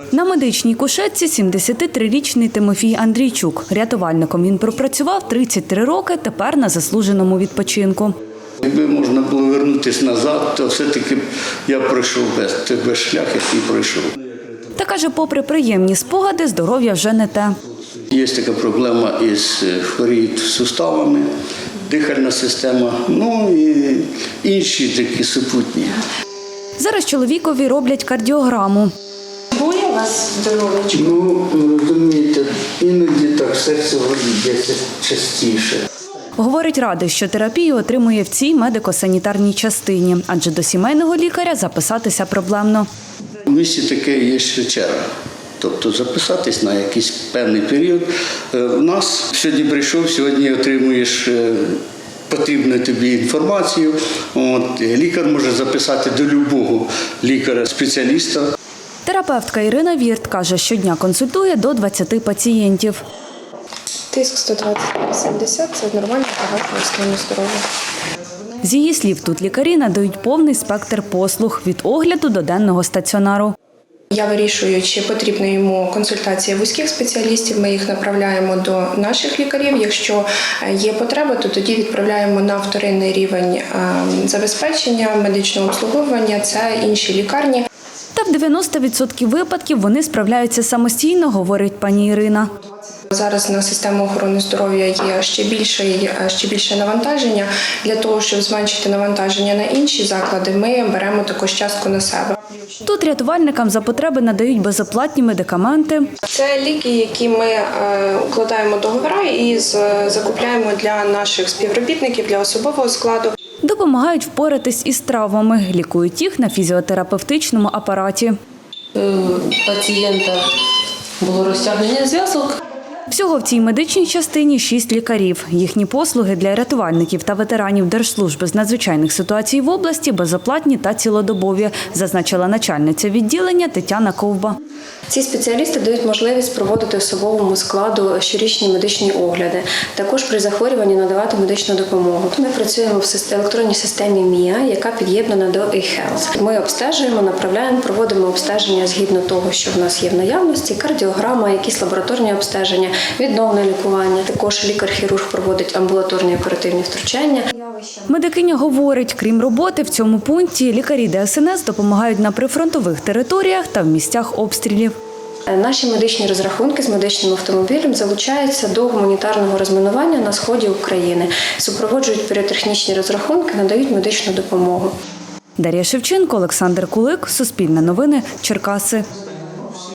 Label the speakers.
Speaker 1: На медичній кушетці 73-річний Тимофій Андрійчук. Рятувальником він пропрацював 33 роки, тепер на заслуженому відпочинку.
Speaker 2: Якби можна було повернутися назад, то все-таки я пройшов без шлях, який пройшов.
Speaker 1: Та каже, попри приємні спогади, здоров'я вже не те.
Speaker 2: Є така проблема із хворіють суставами, дихальна система, ну і інші такі супутні.
Speaker 1: Зараз чоловікові роблять кардіограму.
Speaker 3: Боє у вас здоров'ячко?
Speaker 2: Ну, розумієте, іноді так серце б'ється частіше.
Speaker 1: Говорить, радий, що терапію отримує в цій медико-санітарній частині, адже до сімейного лікаря записатися проблемно.
Speaker 2: У місті таке є ще черга. Тобто записатись на якийсь певний період. У нас сьогодні прийшов, сьогодні отримуєш потрібну тобі інформацію. Лікар може записати до будь-якого лікаря-спеціаліста.
Speaker 1: Терапевтка Ірина Вірт каже, щодня консультує до 20 пацієнтів.
Speaker 3: Тиск 120/80 – це нормально, багато стану здоров'я.
Speaker 1: З її слів, тут лікарі надають повний спектр послуг – від огляду до денного стаціонару.
Speaker 3: Я вирішую, чи потрібна йому консультація вузьких спеціалістів, ми їх направляємо до наших лікарів. Якщо є потреба, то тоді відправляємо на вторинний рівень забезпечення, медичного обслуговування, це інші лікарні.
Speaker 1: Та в 90% випадків вони справляються самостійно, говорить пані Ірина.
Speaker 3: Зараз на систему охорони здоров'я є ще більше навантаження. Для того, щоб зменшити навантаження на інші заклади, ми беремо також частку на себе.
Speaker 1: Тут рятувальникам за потреби надають безоплатні медикаменти.
Speaker 3: Це ліки, які ми укладаємо договори і закупляємо для наших співробітників, для особового складу.
Speaker 1: Допомагають впоратись із травмами, лікують їх на фізіотерапевтичному апараті.
Speaker 4: Пацієнта було розтягнення зв'язок.
Speaker 1: Всього в цій медичній частині 6 лікарів. Їхні послуги для рятувальників та ветеранів Держслужби з надзвичайних ситуацій в області безоплатні та цілодобові, зазначила начальниця відділення Тетяна Ковба.
Speaker 5: Ці спеціалісти дають можливість проводити особовому складу щорічні медичні огляди. Також при захворюванні надавати медичну допомогу. Ми працюємо в електронній системі МІА, яка під'єднана до eHealth. Ми обстежуємо, направляємо, проводимо обстеження згідно того, що в нас є в наявності, кардіограма, якісь лабораторні обстеження, відновне лікування. Також лікар-хірург проводить амбулаторні оперативні втручання.
Speaker 1: Медикиня говорить, крім роботи в цьому пункті, лікарі ДСНС допомагають на прифронтових територіях та в місцях обстрілів.
Speaker 5: Наші медичні розрахунки з медичним автомобілем залучаються до гуманітарного розмінування на сході України. Супроводжують піротехнічні розрахунки, надають медичну допомогу.
Speaker 1: Дар'я Шевченко, Олександр Кулик, Суспільне новини, Черкаси.